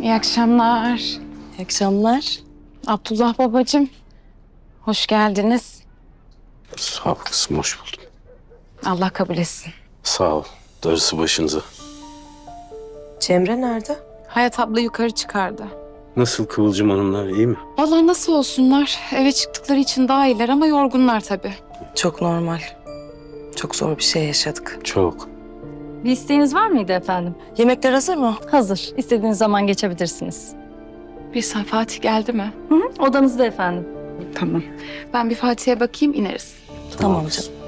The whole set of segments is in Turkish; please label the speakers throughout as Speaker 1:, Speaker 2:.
Speaker 1: İyi akşamlar.
Speaker 2: İyi akşamlar.
Speaker 1: Abdullah babacığım, hoş geldiniz.
Speaker 3: Sağ ol kızım, hoş buldum.
Speaker 1: Allah kabul etsin.
Speaker 3: Sağ ol, darısı başınıza.
Speaker 2: Cemre nerede?
Speaker 1: Hayat abla yukarı çıkardı.
Speaker 3: Nasıl Kıvılcım Hanımlar, iyi mi?
Speaker 1: Vallahi nasıl olsunlar? Eve çıktıkları için daha iyiler ama yorgunlar tabii.
Speaker 2: Çok normal. Çok zor bir şey yaşadık.
Speaker 3: Çok.
Speaker 4: Bir isteğiniz var mıydı efendim?
Speaker 2: Yemekler hazır mı?
Speaker 4: Hazır. İstediğiniz zaman geçebilirsiniz.
Speaker 1: Bir sen Fatih geldi mi?
Speaker 4: Hı hı, odanızda efendim.
Speaker 1: Tamam. Ben bir Fatih'e bakayım, ineriz.
Speaker 2: Tamam
Speaker 3: kızım.
Speaker 2: canım.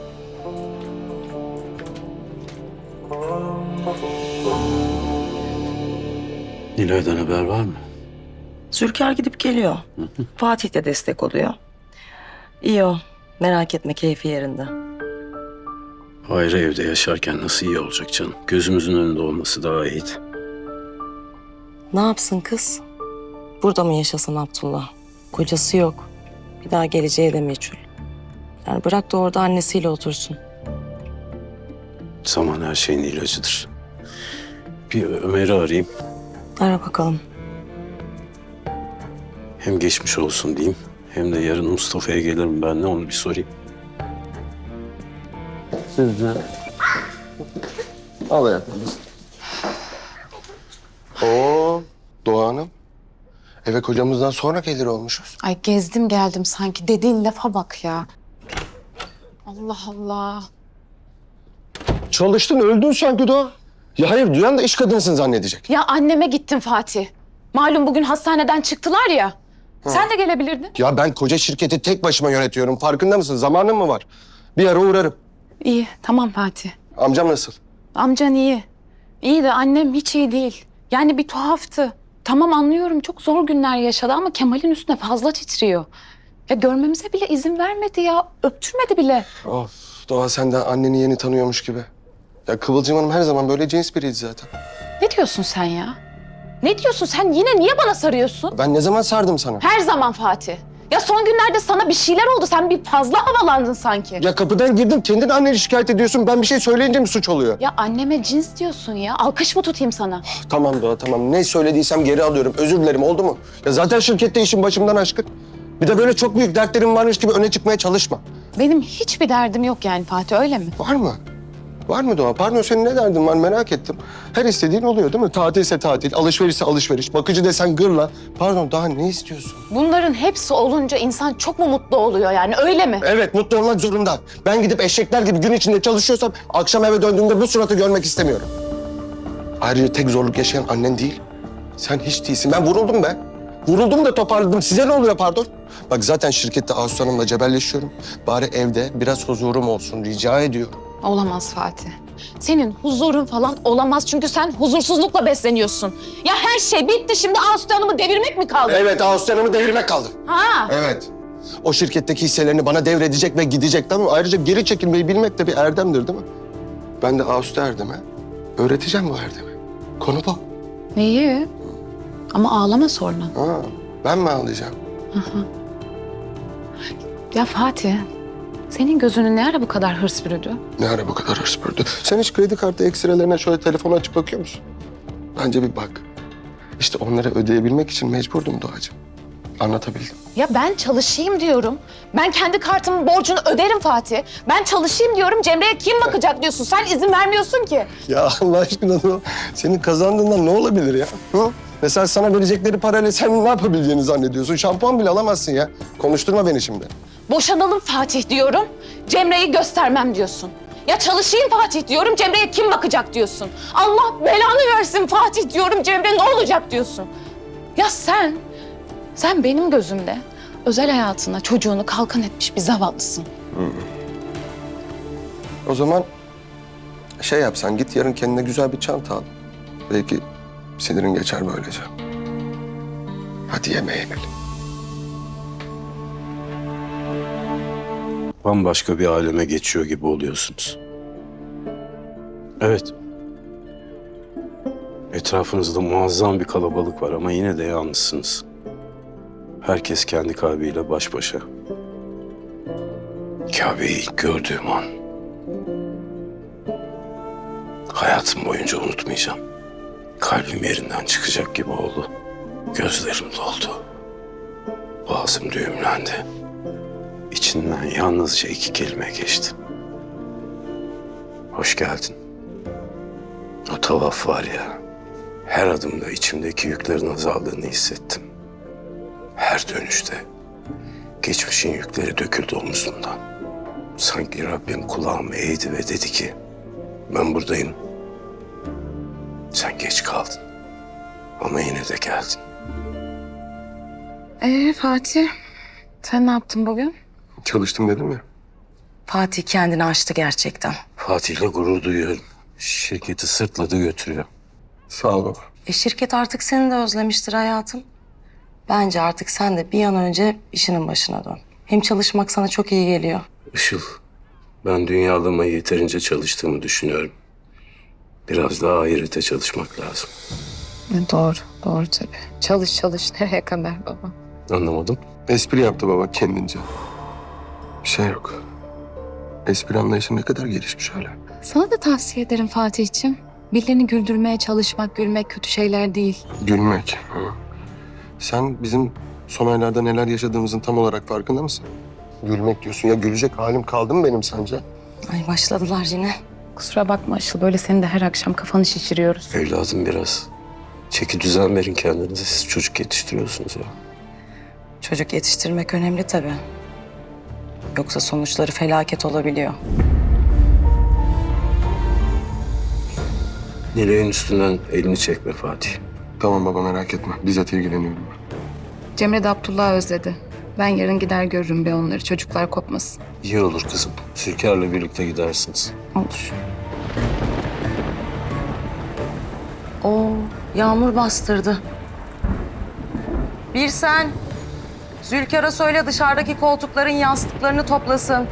Speaker 3: Nilay'dan haber var mı?
Speaker 2: Zülker gidip geliyor. Fatih de destek oluyor. İyi o. Merak etme, keyfi yerinde.
Speaker 3: Ayrı evde yaşarken nasıl iyi olacak canım? Gözümüzün önünde olması daha iyiydi.
Speaker 2: Ne yapsın kız? Burada mı yaşasın Abdullah? Kocası yok. Bir daha geleceği de meçhul. Yani bırak da orada annesiyle otursun.
Speaker 3: Zaman her şeyin ilacıdır. Bir Ömer'i arayayım.
Speaker 2: Ara bakalım.
Speaker 3: Hem geçmiş olsun diyeyim, hem de yarın Mustafa'ya gelirim ben de, onu bir sorayım.
Speaker 5: Al hayatım. Oo, Doğa Hanım. Eve kocamızdan sonra gelir olmuşuz.
Speaker 1: Ay gezdim geldim sanki. Dediğin lafa bak ya. Allah Allah.
Speaker 5: Çalıştın, öldün sanki Doğa. Ya hayır, duyan da iş kadınsın zannedecek.
Speaker 1: Ya anneme gittim Fatih. Malum bugün hastaneden çıktılar ya. Sen de gelebilirdin.
Speaker 5: Ya ben koca şirketi tek başıma yönetiyorum. Farkında mısın? Zamanım mı var? Bir ara uğrarım.
Speaker 1: İyi, tamam Fatih.
Speaker 5: Amcam nasıl?
Speaker 1: Amcan iyi. İyi de annem hiç iyi değil. Yani bir tuhaftı. Tamam anlıyorum, çok zor günler yaşadı ama Kemal'in üstüne fazla titriyor. Ya görmemize bile izin vermedi ya. Öptürmedi bile.
Speaker 5: Of, Doğa sen de anneni yeni tanıyormuş gibi. Ya Kıvılcım Hanım her zaman böyle cins biriydi zaten.
Speaker 1: Ne diyorsun sen ya? Ne diyorsun sen? Yine niye bana sarıyorsun?
Speaker 5: Ben ne zaman sardım sana?
Speaker 1: Her zaman Fatih. Ya son günlerde sana bir şeyler oldu. Sen bir fazla havalandın sanki.
Speaker 5: Ya kapıdan girdim, kendin anneni şikayet ediyorsun. Ben bir şey söyleyince mi suç oluyor?
Speaker 1: Ya anneme cins diyorsun ya. Alkış mı tutayım sana?
Speaker 5: Tamam Doğa, tamam. Ne söylediysem geri alıyorum. Özür dilerim, oldu mu? Ya zaten şirkette işim başımdan aşkın. Bir de böyle çok büyük dertlerim varmış gibi öne çıkmaya çalışma.
Speaker 1: Benim hiçbir derdim yok yani Fatih, öyle mi?
Speaker 5: Var mı? Var mı Doğa? Pardon, senin ne derdin var merak ettim. Her istediğin oluyor değil mi? Tatilse tatil, alışverişse alışveriş, bakıcı desen gırla. Pardon, daha ne istiyorsun?
Speaker 1: Bunların hepsi olunca insan çok mu mutlu oluyor yani, öyle mi?
Speaker 5: Evet, mutlu olmak zorunda. Ben gidip eşekler gibi gün içinde çalışıyorsam akşam eve döndüğümde bu suratı görmek istemiyorum. Ayrıca tek zorluk yaşayan annen değil. Sen hiç değilsin. Ben vuruldum be. Vuruldum da toparladım. Size ne oluyor pardon? Bak zaten şirkette Ağustos Hanım'la cebelleşiyorum. Bari evde biraz huzurum olsun rica ediyorum.
Speaker 1: Olamaz Fatih. Senin huzurun falan olamaz çünkü sen huzursuzlukla besleniyorsun. Ya her şey bitti, şimdi Aslı Hanım'ı devirmek mi kaldı?
Speaker 5: Evet, Ağustos Hanım'ı devirmek kaldı.
Speaker 1: Ha?
Speaker 5: Evet. O şirketteki hisselerini bana devredecek ve gidecek, tamam mı? Ayrıca geri çekilmeyi bilmek de bir erdemdir değil mi? Ben de Ağustos Erdem'e öğreteceğim bu erdemi. Konu bu.
Speaker 1: İyi. Ama ağlama sonra.
Speaker 5: Ha, ben mi ağlayacağım?
Speaker 1: Ya Fatih, senin gözünü ne ara bu kadar hırs bürüdü?
Speaker 5: Ne ara bu kadar hırs bürüdü? Sen hiç kredi kartı ekstrelerine şöyle telefonu açıp bakıyor musun? Bence bir bak. İşte onları ödeyebilmek için mecburdum Doğacığım. Anlatabildim.
Speaker 1: Ya ben çalışayım diyorum. Ben kendi kartımın borcunu öderim Fatih. Ben çalışayım diyorum. Cemre'ye kim bakacak diyorsun. Sen izin vermiyorsun ki.
Speaker 5: Ya Allah aşkına Doğa, senin kazandığından ne olabilir ya? Hı? Mesela sana verecekleri parayla sen ne yapabileceğini zannediyorsun? Şampuan bile alamazsın ya. Konuşturma beni şimdi.
Speaker 1: Boşanalım Fatih diyorum. Cemre'yi göstermem diyorsun. Ya çalışayım Fatih diyorum. Cemre'ye kim bakacak diyorsun. Allah belanı versin Fatih diyorum. Cemre ne olacak diyorsun. Ya sen benim gözümde özel hayatına, çocuğunu kalkan etmiş bir zavallısın.
Speaker 5: O zaman şey yapsan, git yarın kendine güzel bir çanta al. Belki sinirin geçer böylece. Hadi yemeğe inelim.
Speaker 3: Bambaşka bir aleme geçiyor gibi oluyorsunuz. Evet. Etrafınızda muazzam bir kalabalık var ama yine de yalnızsınız. Herkes kendi kalbiyle baş başa. Kabe'yi ilk gördüğüm an hayatım boyunca unutmayacağım. Kalbim yerinden çıkacak gibi oldu. Gözlerim doldu. Boğazım düğümlendi. İçinden yalnızca 2 kelime geçti. Hoş geldin. O tavaf var ya, her adımda içimdeki yüklerin azaldığını hissettim. Her dönüşte geçmişin yükleri döküldü omuzumdan. Sanki Rabbim kulağımı eğdi ve dedi ki, ben buradayım. Sen geç kaldın ama yine de geldin.
Speaker 1: Fatih, sen ne yaptın bugün?
Speaker 5: Çalıştım dedim ya.
Speaker 2: Fatih kendini aştı gerçekten.
Speaker 3: Fatih'le gurur duyuyorum. Şirketi sırtladı götürüyor.
Speaker 5: Sağ ol baba.
Speaker 2: Şirket artık seni de özlemiştir hayatım. Bence artık sen de bir an önce işinin başına dön. Hem çalışmak sana çok iyi geliyor.
Speaker 3: Işıl, ben dünyalamayı yeterince çalıştığımı düşünüyorum. Biraz daha ahirete çalışmak lazım.
Speaker 1: Doğru tabii. Çalış nereye kadar baba?
Speaker 3: Anlamadım.
Speaker 5: Espri yaptı baba kendince. Bir şey yok. Espri anlayışım ne kadar gelişmiş hala.
Speaker 6: Sana da tavsiye ederim Fatih'ciğim. Birilerini güldürmeye çalışmak, gülmek kötü şeyler değil.
Speaker 5: Gülmek. Hı. Sen bizim son aylarda neler yaşadığımızın tam olarak farkında mısın? Gülmek diyorsun. Ya gülecek halim kaldı mı benim sence?
Speaker 2: Ay başladılar yine.
Speaker 6: Kusura bakma Işıl, böyle senin de her akşam kafanı şişiriyoruz.
Speaker 3: Evladım biraz çeki düzen verin kendinize. Siz çocuk yetiştiriyorsunuz ya.
Speaker 2: Çocuk yetiştirmek önemli tabii. Yoksa sonuçları felaket olabiliyor.
Speaker 3: Nilay'ın üstünden elini çekme Fatih.
Speaker 5: Tamam baba merak etme. Bizzat ilgileniyorum ben.
Speaker 6: Cemre de Abdullah'ı özledi. Ben yarın gider görürüm be onları, çocuklar kopmasın.
Speaker 3: İyi olur kızım. Zülkar'la birlikte gidersiniz.
Speaker 6: Olur.
Speaker 2: Oo, yağmur bastırdı. Bir sen. Zülkar'a söyle dışarıdaki koltukların yastıklarını toplasın.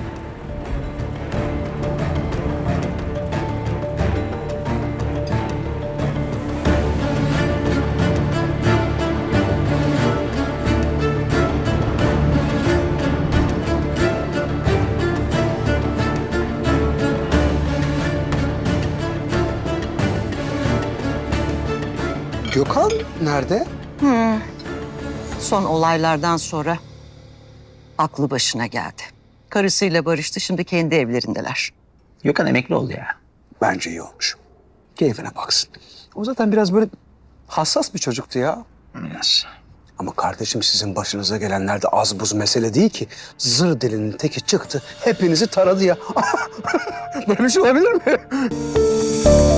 Speaker 7: Gökhan nerede?
Speaker 8: Son olaylardan sonra aklı başına geldi. Karısıyla barıştı, şimdi kendi evlerindeler.
Speaker 7: Gökhan emekli oldu ya. Bence iyi olmuş. Keyfine baksın. O zaten biraz böyle hassas bir çocuktu ya. Biraz. Ama kardeşim sizin başınıza gelenler de az buz mesele değil ki. Zır dilinin teki çıktı, hepinizi taradı ya. Böyle bir şey olabilir mi?